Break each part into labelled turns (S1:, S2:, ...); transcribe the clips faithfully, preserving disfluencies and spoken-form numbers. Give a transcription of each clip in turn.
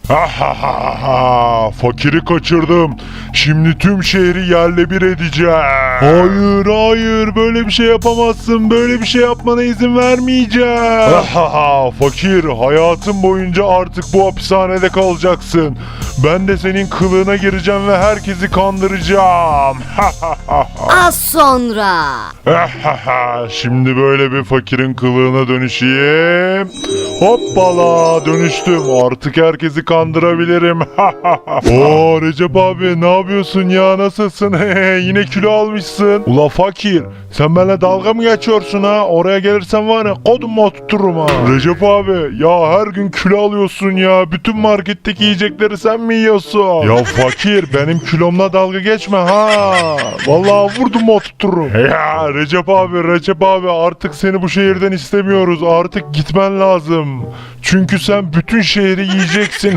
S1: Ha ha ha ha! Fakiri kaçırdım. Şimdi tüm şehri yerle bir edeceğim. Hayır hayır, böyle bir şey yapamazsın. Böyle bir şey yapmana izin vermeyeceğim. Ha ha ha! Fakir, hayatın boyunca artık bu hapishanede kalacaksın. Ben de senin kılığına gireceğim ve herkesi kandıracağım. Ha ha ha ha!
S2: Az sonra.
S1: Ha ha ha! Şimdi böyle bir fakirin kılığına dönüşeyim. Hoppala, dönüştüm. Artık herkesi kandırabilirim. Oo Recep abi, ne yapıyorsun ya, nasılsın? Yine kilo almışsın. Ula fakir, sen benimle dalga mı geçiyorsun ha? Oraya gelirsen var ya kodumu oturturum ha. Recep abi ya, her gün kilo alıyorsun ya. Bütün marketteki yiyecekleri sen mi yiyorsun? Ya fakir, benim kilomla dalga geçme ha. Vallahi vurdum oturturum. Ya Recep abi, Recep abi, artık seni bu şehirden istemiyoruz. Artık gitmen lazım. Çünkü sen bütün şehri yiyeceksin.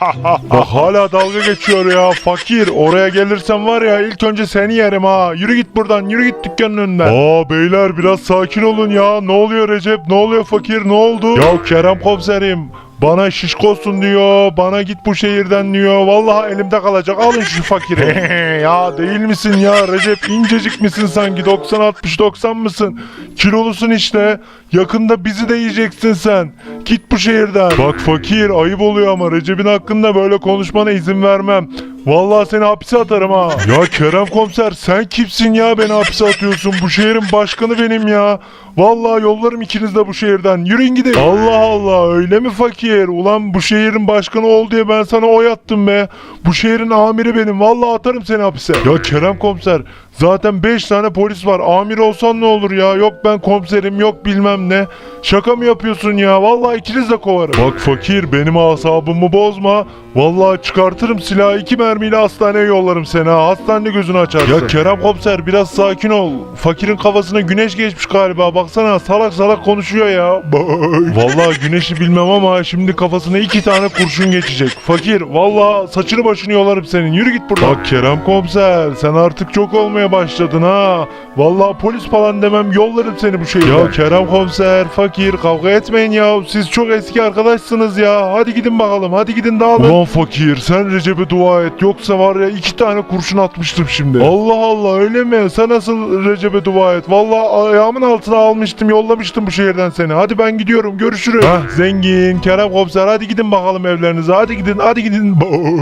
S1: Bak hala dalga geçiyor ya. Fakir, oraya gelirsen var ya ilk önce seni yerim ha. Yürü git buradan, yürü git dükkanın önünden. Aa beyler, biraz sakin olun ya. Ne oluyor Recep, ne oluyor fakir, ne oldu? Ya Kerem komiserim, bana şişkosun diyor, bana git bu şehirden diyor. Vallahi elimde kalacak, alın şu fakiri. Ya değil misin ya Recep, incecik misin sanki, doksan altmış doksan mısın? Kilolusun işte, yakında bizi de yiyeceksin sen. Git bu şehirden. Bak fakir, ayıp oluyor ama Recep'in hakkında böyle konuşmana izin vermem. Vallahi seni hapse atarım ha. Ya Kerem komiser, sen kimsin ya, beni hapse atıyorsun? Bu şehrin başkanı benim ya. Vallahi yollarım ikiniz de bu şehirden. Yürüyün gidin. Allah Allah, öyle mi fakir? Ulan bu şehrin başkanı ol diye ben sana oy attım be. Bu şehrin amiri benim. Vallahi atarım seni hapse. Ya Kerem komiser, zaten beş tane polis var. Amir olsan ne olur ya? Yok ben komiserim, yok bilmem ne. Şaka mı yapıyorsun ya? Vallahi ikiniz de kovarım. Bak fakir, benim asabımı bozma. Vallahi çıkartırım silahı, iki mermiyle hastaneye yollarım seni ha. Hastanede gözünü açarsın. Ya Kerem komiser, biraz sakin ol. Fakirin kafasına güneş geçmiş galiba. Baksana, salak salak konuşuyor ya. Vallahi güneşi bilmem ama şimdi kafasına iki tane kurşun geçecek. Fakir, vallahi saçını başını yolarım senin. Yürü git buradan. Bak Kerem komiser, sen artık çok olmaya başladın ha. Vallahi polis falan demem, yollarım seni bu şehirden. Ya Kerem komiser, fakir, kavga etmeyin ya. Siz çok eski arkadaşsınız ya. Hadi gidin bakalım, hadi gidin dağılın. Ulan fakir, sen Recep'e dua et. Yoksa var ya iki tane kurşun atmıştım şimdi. Allah Allah, öyle mi? Sen nasıl Recep'e dua et? Vallahi ayağımın altına almıştım, yollamıştım bu şehirden seni. Hadi ben gidiyorum, görüşürüz. Hah, zengin, Kerem komiser, hadi gidin bakalım evlerinize. Hadi gidin, hadi gidin.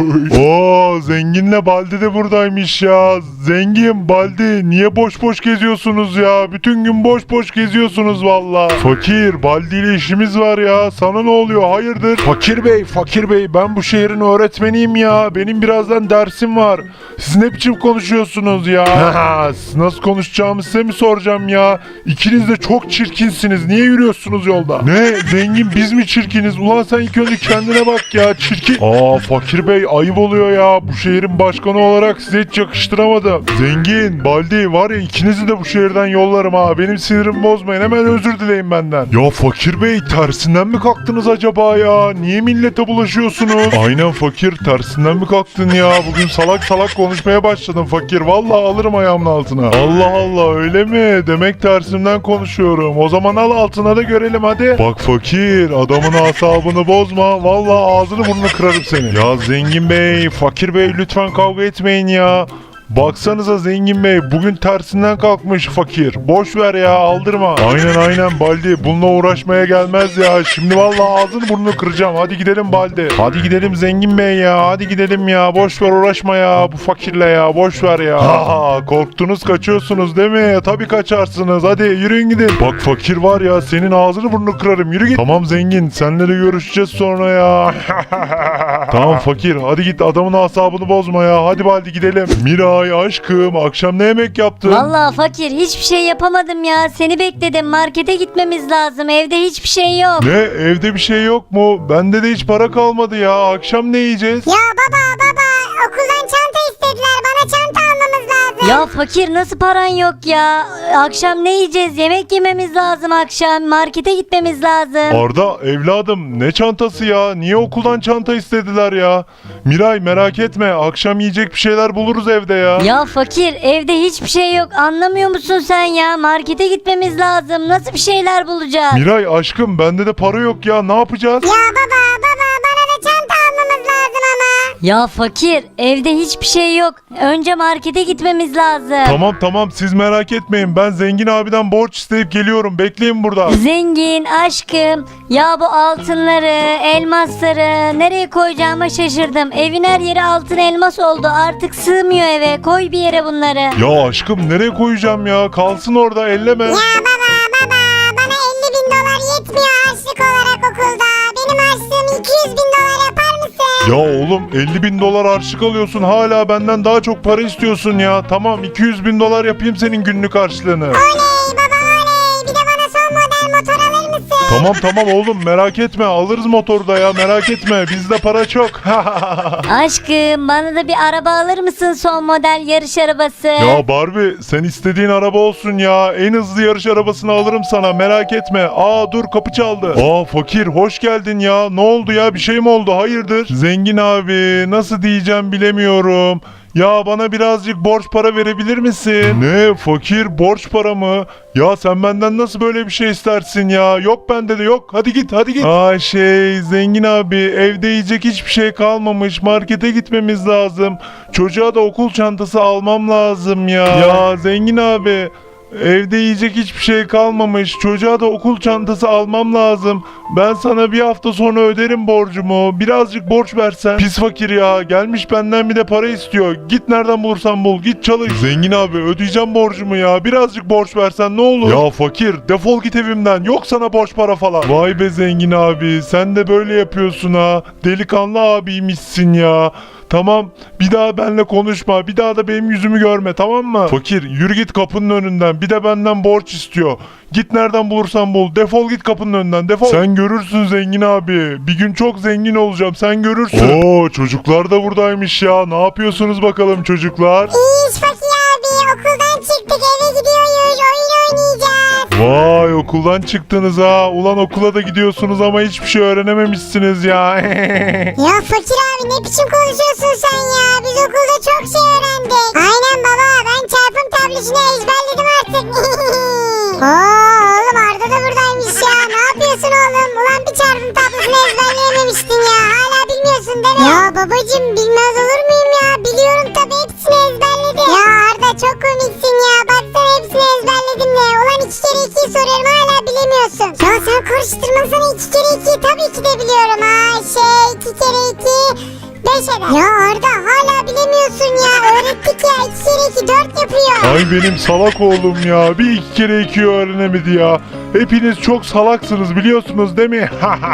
S1: Oo, zenginle Baldi de buradaymış ya. Zengin, Baldi, niye boş boş geziyorsunuz ya? Bütün gün boş boş geziyorsunuz vallahi. Fakir, Baldi ile işimiz var ya. Sana ne oluyor? Hayırdır? Fakir bey, fakir bey, ben bu şehrin öğretmeniyim ya. Benim birazdan dersim var. Siz ne biçim konuşuyorsunuz ya? Nasıl konuşacağımı size mi soracağım ya? İkiniz de çok çirkinsiniz. Niye yürüyorsunuz yolda? Ne? Zengin, biz mi çirkiniz? Ulan sen ilk önce kendine bak ya, çirkin. Aa fakir bey, ayıp oluyor ya. Bu şehrin başkanı olarak size hiç yakıştıramadım. Zengin, Baldi, var ya ikinizi de bu şehirden yollarım ha. Benim sinirimi bozmayın. Hemen özür dileyin benden. Ya fakir bey, tersinden mi kalktınız acaba ya? Niye millete bulaşıyorsunuz? Aynen fakir, tersinden mi kalktın ya? Bugün salak salak konuşmaya başladın fakir. Vallahi alırım ayağımın altına. Allah Allah, öyle mi? Demek tersimden konuşuyorum. O zaman al altına da görelim hadi. Bak fakir, adamın asabını bozma. Vallahi ağzını burnunu kırarım seni. Ya zengin bey, fakir bey, lütfen kavga etmeyin ya. Baksanıza zengin bey, bugün tersinden kalkmış fakir. Boş ver ya, aldırma. Aynen aynen Baldi, bununla uğraşmaya gelmez ya. Şimdi vallahi ağzını burnunu kıracağım. Hadi gidelim Baldi. Hadi gidelim zengin bey ya. Hadi gidelim ya. Boş ver, uğraşma ya bu fakirle ya. Boş ver ya. Ha, korktunuz kaçıyorsunuz değil mi? Tabii kaçarsınız. Hadi yürüyün gidin. Bak fakir var ya, senin ağzını burnunu kırarım. Yürü git. Tamam zengin, seninle de görüşeceğiz sonra ya. Tamam fakir, hadi git, adamın asabını bozma ya. Hadi Baldi gidelim. Mira, ay aşkım, akşam ne yemek yaptın?
S2: Vallahi fakir, hiçbir şey yapamadım ya. Seni bekledim. Markete gitmemiz lazım. Evde hiçbir şey yok.
S1: Ne? Evde bir şey yok mu? Bende de hiç para kalmadı ya. Akşam ne yiyeceğiz?
S3: Ya baba baba, okuldan çanta istediler, bana çanta almamız lazım.
S2: Ya fakir, nasıl paran yok ya? Akşam ne yiyeceğiz? Yemek yememiz lazım akşam. Markete gitmemiz lazım.
S1: Arda evladım, ne çantası ya? Niye okuldan çanta istediler ya? Miray merak etme, akşam yiyecek bir şeyler buluruz evde ya.
S2: Ya fakir, evde hiçbir şey yok. Anlamıyor musun sen ya? Markete gitmemiz lazım. Nasıl bir şeyler bulacağız?
S1: Miray aşkım, bende de para yok ya, ne yapacağız?
S3: Ya baba baba, bana da çanta almamız lazım.
S2: Ya fakir, evde hiçbir şey yok. Önce markete gitmemiz lazım.
S1: Tamam tamam siz merak etmeyin. Ben zengin abiden borç isteyip geliyorum. Bekleyin burada.
S2: Zengin aşkım, ya bu altınları, elmasları nereye koyacağıma şaşırdım. Evin her yeri altın elmas oldu. Artık sığmıyor eve. Koy bir yere bunları.
S1: Ya aşkım nereye koyacağım ya? Kalsın orada, elleme.
S3: Ya baba baba bana elli bin dolar yetmiyor harçlık olarak okulda. Benim harçlığım iki yüz bin dolar yapar mısın?
S1: Ya oğlum elli bin dolar harçlık alıyorsun. Hala benden daha çok para istiyorsun ya. Tamam iki yüz bin dolar yapayım senin günlük harçlığını.
S3: Oley baba oley. Bir de bana son model motor alır mısın?
S1: Tamam tamam oğlum merak etme. Alırız motoru da ya, merak etme. Bizde para çok.
S2: Aşkım, bana da bir araba alır mısın, son model yarış arabası?
S1: Ya Barbie sen istediğin araba olsun ya. En hızlı yarış arabasını alırım sana, merak etme. Aa dur, kapı çaldı. Aa fakir hoş geldin ya. Ne oldu ya, bir şey mi oldu, hayırdır? Zengin abi nasıl diyeceğim bilemiyorum. Ya bana birazcık borç para verebilir misin? Ne fakir, borç para mı? Ya sen benden nasıl böyle bir şey istersin ya? Yok bende de yok. Hadi git hadi git. Aa şey zengin abi, evde yiyecek hiçbir şey kalmamış. Markete gitmemiz lazım. Çocuğa da okul çantası almam lazım ya. Ya zengin abi, evde yiyecek hiçbir şey kalmamış. Çocuğa da okul çantası almam lazım. Ben sana bir hafta sonra öderim borcumu. Birazcık borç versen. Pis fakir ya. Gelmiş benden bir de para istiyor. Git nereden bulursan bul. Git çalış. Zengin abi ödeyeceğim borcumu ya. Birazcık borç versen ne olur. Ya fakir defol git evimden. Yok sana borç para falan. Vay be zengin abi. Sen de böyle yapıyorsun ha. Delikanlı abiymişsin ya. Tamam, bir daha benimle konuşma. Bir daha da benim yüzümü görme, tamam mı? Fakir yürü git kapının önünden. Bir de benden borç istiyor. Git nereden bulursan bul. Defol git kapının önünden, defol. Sen görürsün zengin abi. Bir gün çok zengin olacağım, sen görürsün. Oo çocuklar da buradaymış ya. Ne yapıyorsunuz bakalım çocuklar?
S3: İyi iş Fakir abi. Okuldan çıktık eve gidiyoruz. Oyun oynayacağız.
S1: Vay okuldan çıktınız ha. Ulan okula da gidiyorsunuz ama hiçbir şey öğrenememişsiniz ya.
S3: Ya Fakir abi ne biçim konuşuyorsun sen ya? Biz okulda çok şey öğrendik. Aynen baba ben çarpım tablosunu ezberledim artık. Oo oğlum Arda da buradaymış ya. Ne yapıyorsun oğlum? Ulan bir çarpım tablosunu ezberleyememiştin ya. Hala bilmiyorsun değil mi? Ya babacım bilmez olur muyum ya? Biliyorum tabii hepsini ezberledim. Ya Arda çok komiksin ya. Baksana hepsini ezberledim de. Ulan iki kere ikiyi soruyorum hala bilemiyorsun. Ya sen karıştırmasana iki kere ikiyi tabii ki de biliyorum ha. Şey iki kere iki beş eder. Ya Arda hala bilemiyorsun ya. Öğrettik ya iki kere iki dört yapıyor.
S1: Ay benim salak oğlum ya. Bir iki kere iki öğrenemedi ya. Hepiniz çok salaksınız biliyorsunuz değil mi?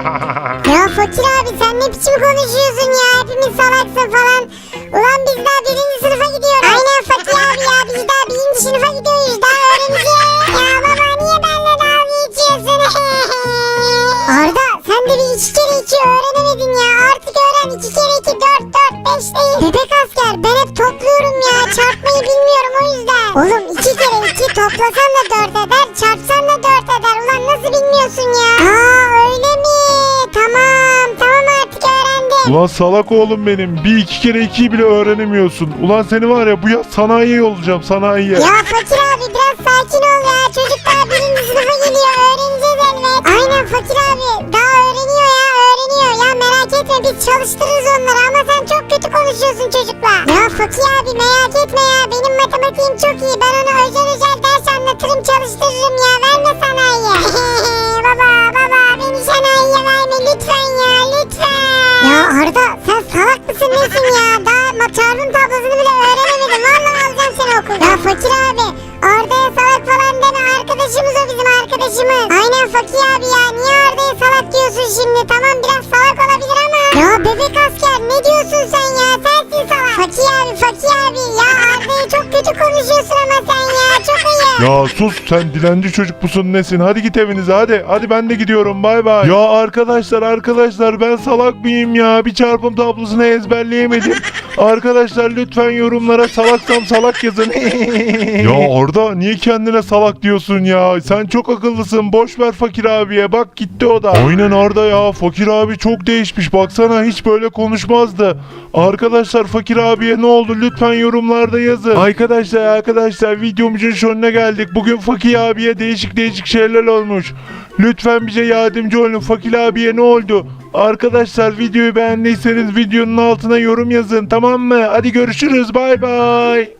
S3: Ya Fakir abi sen ne biçim konuşuyorsun ya? Hepimiz salaksın falan. Ulan biz daha birinci sınıfa gidiyoruz. Aynen Fakir abi ya biz daha birinci sınıfa gidiyoruz. Daha öğreneceğiz. Ya baba niye benimle dalga geçiyorsun? Arda sen de bir iki kere iki öğrenemedin ya. Artık öğren iki kere iki dört dört beş değil. Bebek asker ben hep topluyorum ya. Çarpmayı bilmiyorum o yüzden. Oğlum iki kere iki toplasan da dört eder. Çarpsan da dört eder. Ulan nasıl bilmiyorsun ya? Aa öyle mi? Tamam tamam artık öğrendim.
S1: Ulan salak oğlum benim. Bir iki kere ikiyi bile öğrenemiyorsun. Ulan seni var ya bu yaz sanayiye yollayacağım, sanayiye.
S3: Ya Fakir abi biraz sakin ol ya. Çocuk daha birinci sınıfa geliyor. Öğreneceğiz elbet. Aynen Fakir abi. Daha öğreniyor ya öğreniyor. Ya merak etme biz çalıştırırız onları ama sen çok kötü konuşuyorsun çocukla. Ya Fakir abi merak etme ya. Benim matematiğim çok iyi. Ben ona özel özel ders anlatırım çalıştırırım ya. Verme sanayiye. Baba baba beni sanayiye verme lütfen ya lütfen. Ya Arda sen salak mısın nesin ya? Daha ma- çarpım tablosunu bile öğrenemedim. Vallahi alacağım seni okula. Ya Fakir abi Arda'ya salak falan deme. Arkadaşımız o bizim arkadaşımız. Aynen Fakir abi ya. Niye Arda'ya salak diyorsun şimdi? Tamam biraz salak olabilir ama. Ya bebek asker ne diyorsun sen ya? Sensin salak. Fakir abi Fakir abi. Ya Arda'ya çok kötü konuşuyorsun ama sen ya. Çok ayıp.
S1: Ya sus sen dilenci çocuk musun nesin? Hadi git evinize hadi. Hadi ben de gidiyorum bay bay. Ya arkadaşlar arkadaşlar ben salak mıyım ya? Bir çarpım tablosunu ezberleyemedim. Arkadaşlar lütfen yorumlara salaksam salak yazın. Ya Arda niye kendine salak diyorsun ya? Sen çok akıllısın. Boş ver Fakir abiye. Bak gitti o da. Aynen Arda ya. Fakir abi çok değişmiş. Baksana hiç böyle konuşmazdı. Arkadaşlar Fakir abiye ne oldu? Lütfen yorumlarda yazın. Arkadaşlar arkadaşlar videomuzun sonuna geldik. geldik. Bugün Fakir abiye değişik değişik şeyler olmuş. Lütfen bize yardımcı olun. Fakir abiye ne oldu? Arkadaşlar videoyu beğendiyseniz videonun altına yorum yazın, tamam mı? Hadi görüşürüz, bay bay.